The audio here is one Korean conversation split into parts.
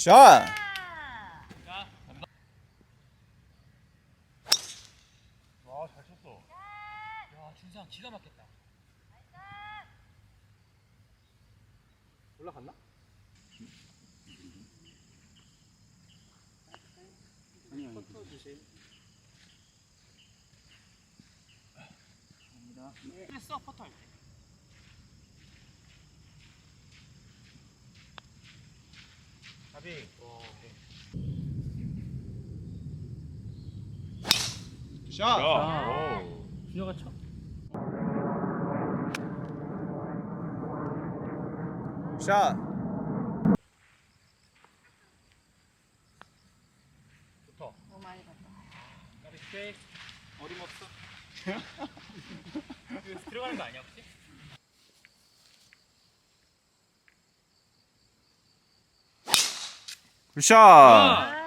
샷! 와, 잘 쳤어. 야, 준상 기가 막혔다. 올라갔나? 아니요. 퍼터 주세요. 감사합니다. 했어, 퍼터 할 때. 가비. 샷! 준혁아 쳐. 샷! 좋다. 너무 많이 갔다. 가비 스테이크. 어림없어. 이거 들어가는 거 아니야, 혹시? 샷! 아,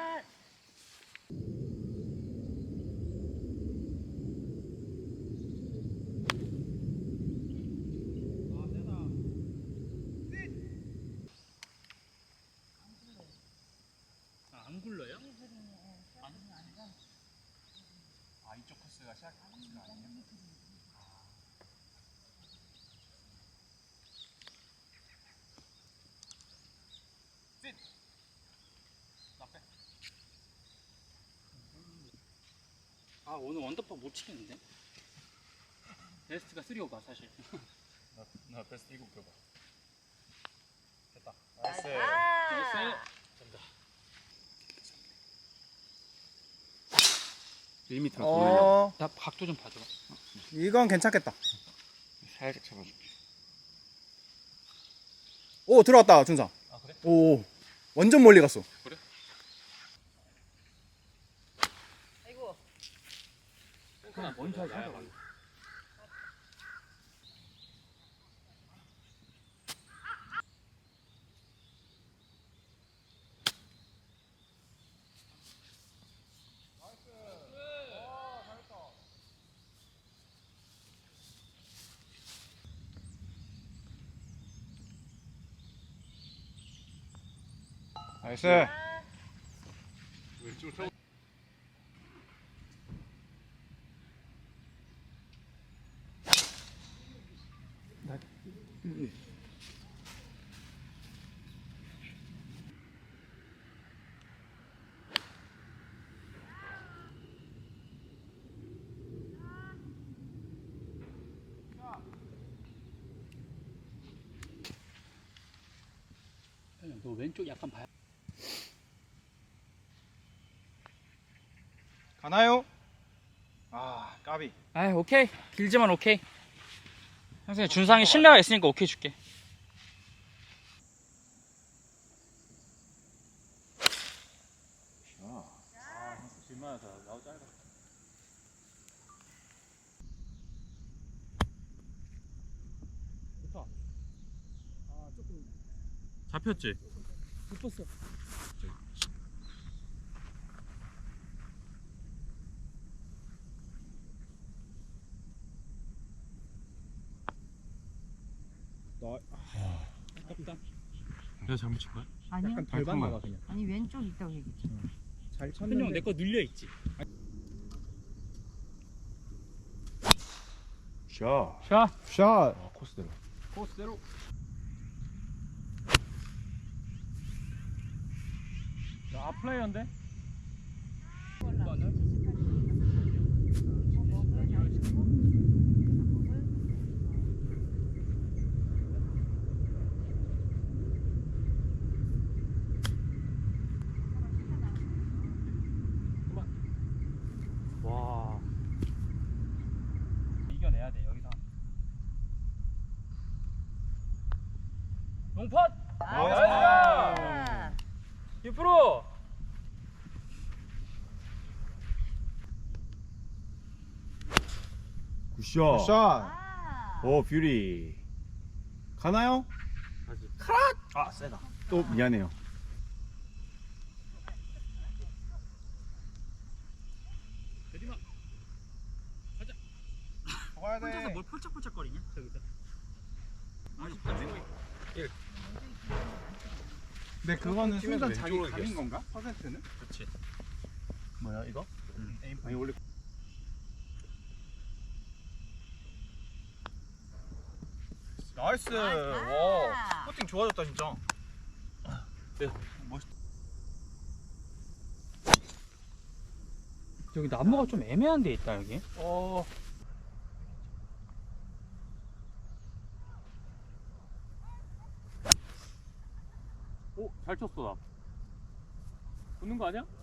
안 굴러요? 이쪽 코스가 시작 코스가 아니에요? 셋! 나 빼. 오늘 원더파 못 치겠는데? 베스트가 3오가 사실. 나 베스트 이거 껴봐. 됐다. 나이스. 나이스. 된다. 1m 더 나 각도 좀 봐줘. 이건 괜찮겠다. 살짝 잡아줄게. 오, 들어왔다, 준상. 아, 그래? 오, 완전 멀리 갔어. 아이고. 그냥 먼저 하자. 나이스. 왼쪽 쳐. 너 왼쪽 약간 봐야. 가나요? 아, 까비. 아, 오케이. 길지만 오케이. 선생님 준상이 신뢰가 있으니까 오케이 줄게. 질만하다. 나도 짧아. 좋다. 조금 잡혔지? 못 봤어. 아깝다. 내가 잘못 친 거야? 아니요. 약간 덜 나가 그냥. 아니 왼쪽 있다고 얘기했지. 잘 현영 내 거 눌려 있지. 샷. 샷. 샷. 코스대로. 코스대로. 야, 플레이어인데? 와. 이겨내야 돼, 여기서. 농팟! 아, 6%! 굿샷. 샷. 아. 오, 뷰리. 가나요? 아, 세다. 또 미안해요. 대리마. 가자. 가야 혼자서 돼. 뭘 펄짝펄짝거리냐? 저기서. 아니, 1. 근데 그거는 팀에서 순간 자기 왼쪽으로 감인 이겼어. 건가? 퍼센트는? 그렇지. 뭐야 이거? 에임 아니 원래 나이스. 나이스. 와, 퍼팅 좋아졌다 진짜. 네, 멋있다. 여기 나무가 좀 애매한 데 있다 여기. 오, 잘 쳤어 나. 붙는 거 아니야?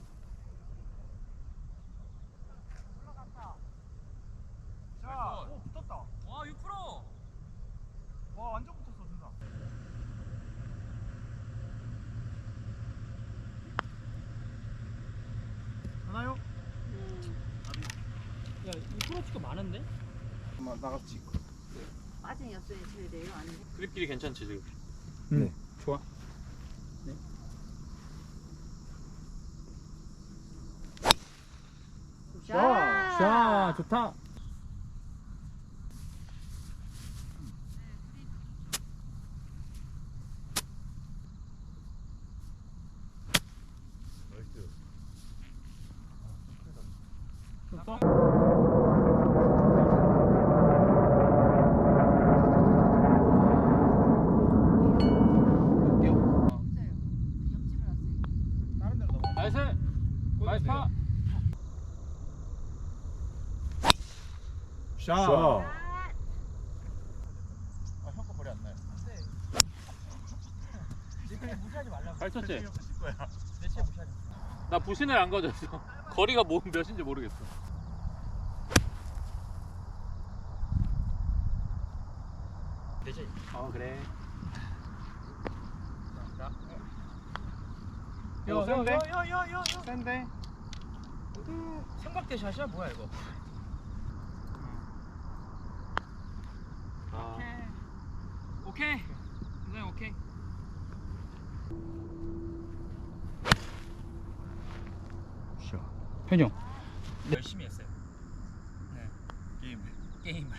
자, 오 붙었다. 와 6%. 와 완전 붙었어 진짜. 하나요? 야 6%치가 많은데? 한번 나갔지. 빠진이었어야 쳐야 돼요? 아닌데? 그립길이 괜찮지 지금. 네. 좋아. 자 좋다. 좋다. 없어요. 옆집을 왔어요. 다른 데로 넘어. 나이스. 나이스 파. 샷. 자 아, 형거 거리 안 나요. 무시하지 말라고. 잘 쳤지? 내 체 무시하지. 나 부신을 안 가졌어. 거리가 뭐 몇인지 모르겠어. 되지. 그래. 야, 센데? 야. 센데. 삼각대 샷이야 뭐야 이거? 아, 오케이. 굉장히 오케이. 샷. 현영. 열심히 했어요. 게임. 게임을.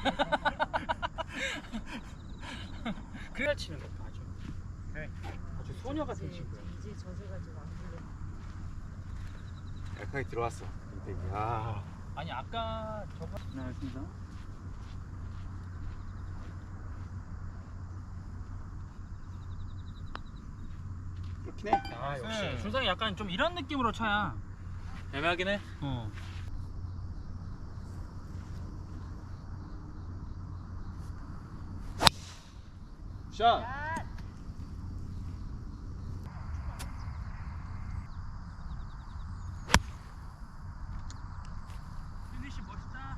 그래야 치는 거 아주. 네. 아주 소녀 같은 친구야. 이제 젖어가지고 안 불러. 약하게 들어왔어. 야. 아니 아까 저거. 나였습니다. 그렇긴 해. 아 역시 준상이 약간 좀 이런 느낌으로 쳐야. 애매하긴 해. 어. 샷. 샷. 피니시 멋있다.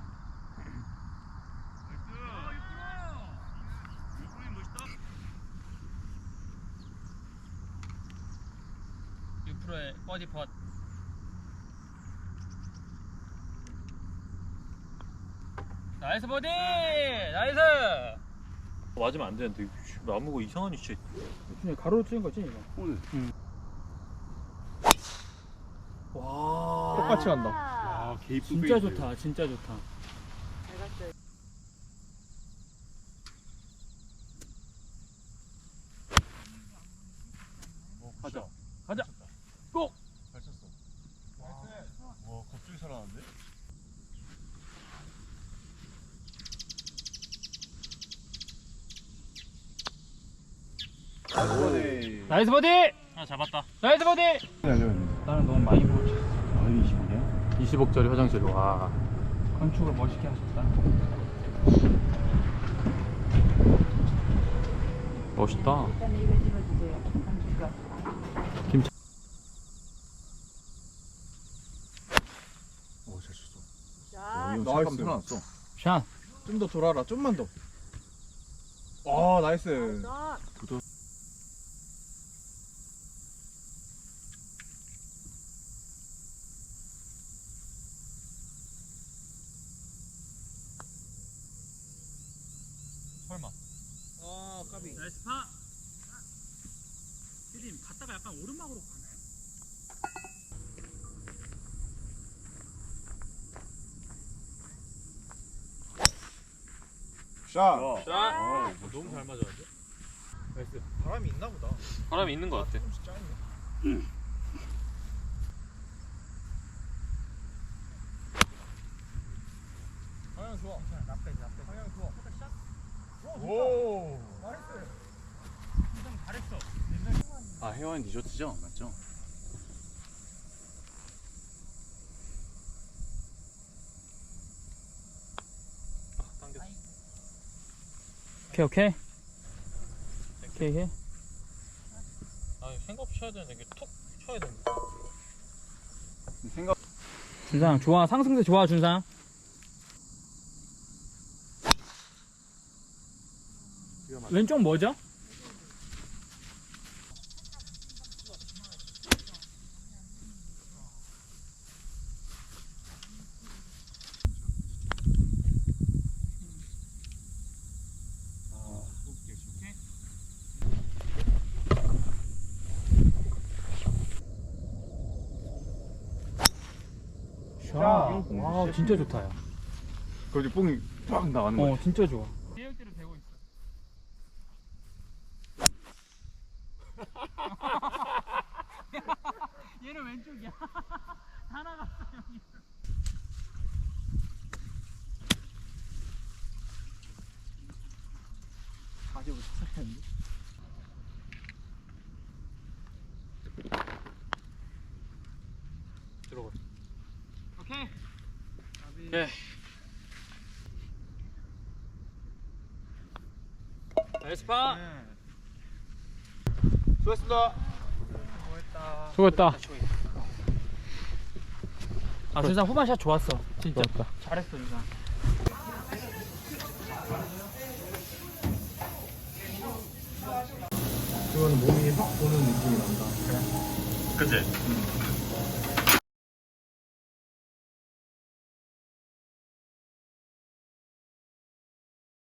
의 버디 펫. 나이스 버디. 나이스. 맞으면 안 되는데 나무가 이상한 위치에. 준이 가로로 찍은 거지 이거? 오늘. 와. 똑같이 간다. 아 개이쁜 진짜 좋다. 진짜 좋다. 잘 갔어요. 가자. 가자. 꼭. 잘 쳤어. 와, 갑자기 살아났는데? 나이스 버디. 하나 잡았다. 나이스 버디. 나는 너무 많이 보였지. 아니 20이냐? 20억짜리 화장실. 와. 건축을 멋있게 하셨다. 멋있다. 일단 이거 집어주세요. 감칠까? 김치. 오잘 쳤어. 샷. 이거 나이스. 잠깐 살아났어. 샷. 좀 더 돌아라, 좀만 더. 아, 나이스. 샷. 설마. 아 까비. 나이스 파. 피디님 갔다가 약간 오르막으로 가나요? 샷. 자. 너무 잘 맞았는데? 나이스. 바람이 있나 보다. 바람이 있는 것 같아. 조금씩 짜네. 방향 좋아. 나빼. 방향 좋아. 오. 나이스. 아 해와인 디저트죠? 맞죠? 당겼어. 오케이. 아 생각 없이 쳐야 되는데 이게 툭 쳐야 되는데. 생각. 준상 좋아. 상승세 좋아 준상. 왼쪽 뭐죠? 샷. 와 진짜 좋다 야. 거기 뽕이 빡 나가는 거야. 진짜 좋아. 계획대로 되고 있어. 얘는 왼쪽이야. 다 나갔어 형이. 다시 뭐 찾아야겠는데? 들어가. 오케이. 오케이. 나이스 파. 수고했습니다. 수고했다. 아 준상 후반샷 좋았어. 진짜. 잘했어 준상. 그거는 몸이 확 도는 느낌이 난다. 그치?